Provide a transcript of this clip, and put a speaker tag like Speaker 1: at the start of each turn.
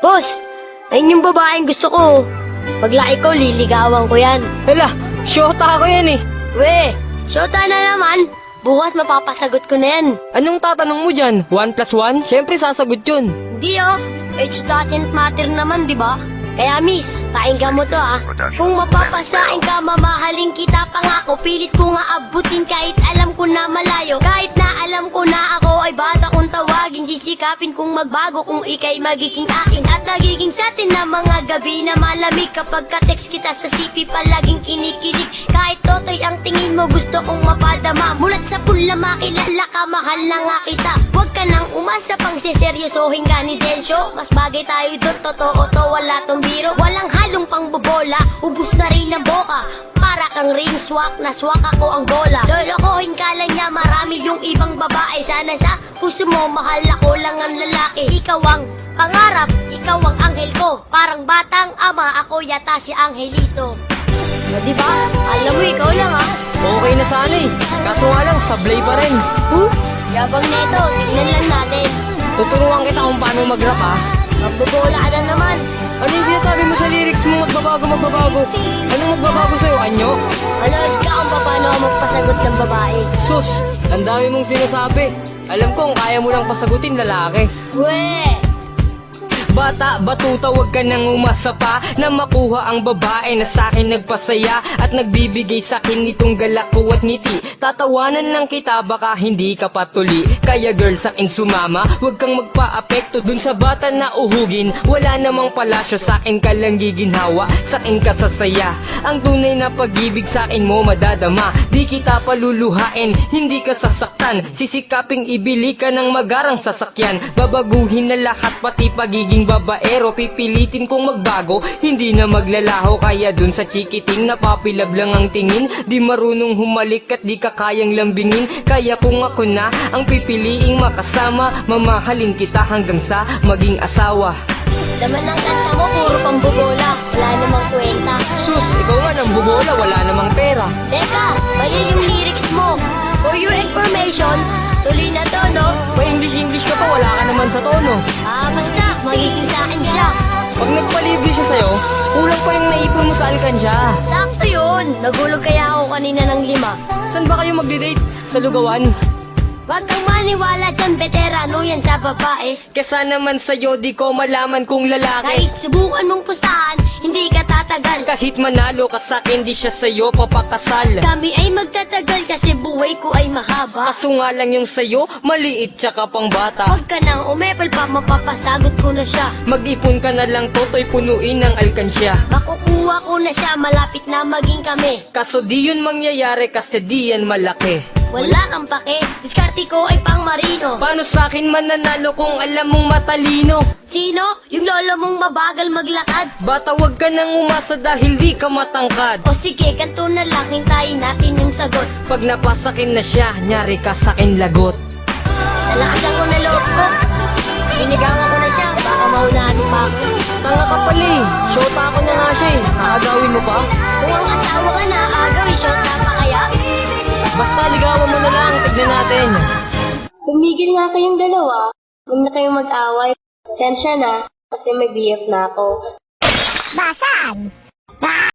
Speaker 1: Boss, ayun yung babaeng gusto ko. Paglaki ko, liligawan ko yan.
Speaker 2: Hala, syota ako yan eh.
Speaker 1: We, syota na naman. Bukas mapapasagot ko na yan.
Speaker 2: Anong tatanong mo dyan? 1 plus 1? Siyempre sasagot yun.
Speaker 1: Hindi oh, age doesn't matter naman, di ba? Kaya miss, pakinggan mo to ah. Kung mapapasain ka, mamahalin kita pangako. Pilit ko nga abutin kahit alam ko na malayo. Kahit na alam ko na ako ay bata kong tawagin. Sisikapin kong magbago kung ikay magiging akin. At nagiging sa atin na mga gabi na malamig. Kapag ka-text kita sa CP palaging kinikilig. Kahit totoy ang tingin mo gusto kong mapadama. Mulat sa pula makilala ka, mahal na nga kita. Huwag ka nang umasa pang siseryosohin ka ni Densyo. Mas bagay tayo doon, totoo to, wala tong biro. Walang halong pangbobola, ubus na rin ang boka. Para kang ring swak, na swak ako ang bola. Lolokohin ka lang niya, marami yung ibang babae. Sana sa puso mo, mahal ako lang ang lalaki. Ikaw ang pangarap, ikaw ang anghel ko. Parang batang ama, ako yata si Angelito. O diba? Alam mo, ikaw lang ha.
Speaker 2: Okay na sana eh. Kaso nga lang, sablay pa rin.
Speaker 1: Yabang neto, tignan lang natin.
Speaker 2: Tuturuan kita kung paano mag-rap ah.
Speaker 1: Magbobola ka na naman.
Speaker 2: Ano yung sinasabi mo sa lyrics mo? Magbabago. Anong magbabago sa'yo, anyo?
Speaker 1: Manood ka kung paano ako magpasagot ng babae.
Speaker 2: Sus, ang dami mong sinasabi. Alam ko kung kaya mo lang pasagutin lalaki.
Speaker 1: We!
Speaker 2: Bata, batuta, wag ka nang umasa pa na makuha ang babae na sa'kin nagpasaya at nagbibigay sa'kin nitong galak ko at ngiti. Tatawanan lang kita, baka hindi ka patuli. Kaya girl, sa'kin sumama, wag kang magpa-apekto dun sa bata na uhugin. Wala namang palasyo, sa'kin ka lang giginhawa, sa'kin ka sasaya. Ang tunay na pag-ibig sa'kin mo madadama. Di kita paluluhain, hindi ka sasaktan. Sisikaping ibili ka ng magarang sasakyan. Babaguhin na lahat, pati pagiging babaero. Pipilitin kong magbago, hindi na maglalaho. Kaya dun sa chikiting napapilab lang ang tingin. Di marunong humalik at di ka kayang lambingin. Kaya kung ako na ang pipiliing makasama, mamahalin kita hanggang sa maging asawa.
Speaker 1: Laman ng kanta mo, puro pambobola. Wala namang kwenta.
Speaker 2: Sus, ikaw nga nang bubola, wala namang pera.
Speaker 1: Teka, mali yung lyrics mo. For your information, tuloy na to, no?
Speaker 2: Pa-English ka pa, wala ka naman sa tono.
Speaker 1: Basta, magiging sa akin siya.
Speaker 2: Pag nagpalibre siya sa'yo, kulang pa yung naipon mo sa alkansya.
Speaker 1: Sakto yun. Nagulog kaya ako kanina ng 5.
Speaker 2: Saan ba kayo magde-date? Sa lugawan?
Speaker 1: Wag kang maniwala dyan, veterano yan sa babae.
Speaker 2: Kesa naman sa'yo, di ko malaman kung lalaki.
Speaker 1: Kahit subukan mong pustahan, hindi ka tatagal.
Speaker 2: Kahit manalo ka sa'kin, di siya sa'yo papakasal.
Speaker 1: Kami ay magtatagal kasi buhay ko ay mahaba.
Speaker 2: Kaso nga lang yung sa'yo, maliit tsaka pang bata.
Speaker 1: Huwag ka nang umepal pa, mapapasagot ko na siya.
Speaker 2: Mag-ipon ka na lang, toto'y punuin ng alkansya.
Speaker 1: Makukuha ko na siya, malapit na maging kami.
Speaker 2: Kaso di yun mangyayari kasi di yan malaki.
Speaker 1: Wala kang pake, diskarte ko ay pang marino.
Speaker 2: Paano sa'kin mananalo kung alam mong matalino?
Speaker 1: Sino? Yung lolo mong mabagal maglakad?
Speaker 2: Bata, wag ka nang umasa dahil di ka matangkad.
Speaker 1: O sige, kanto na lang, hintayin natin yung sagot.
Speaker 2: Pag napasakin na siya, nyari ka sa'kin lagot.
Speaker 1: Nalakasan ko na loob ko. Niligawan ko na siya, baka maunahan pa ako.
Speaker 2: Tanga ka pala eh, shota ako na nga siya eh. Aagawin mo pa?
Speaker 1: Kung ang asawa ka na, agawin, shot na pa kaya?
Speaker 2: Basta ligawan mo na lang, tignan natin.
Speaker 3: Tumigil nga kayong dalawa. Huwag na kayong mag-away. Sensya na, kasi may BF na ako.
Speaker 1: Basan!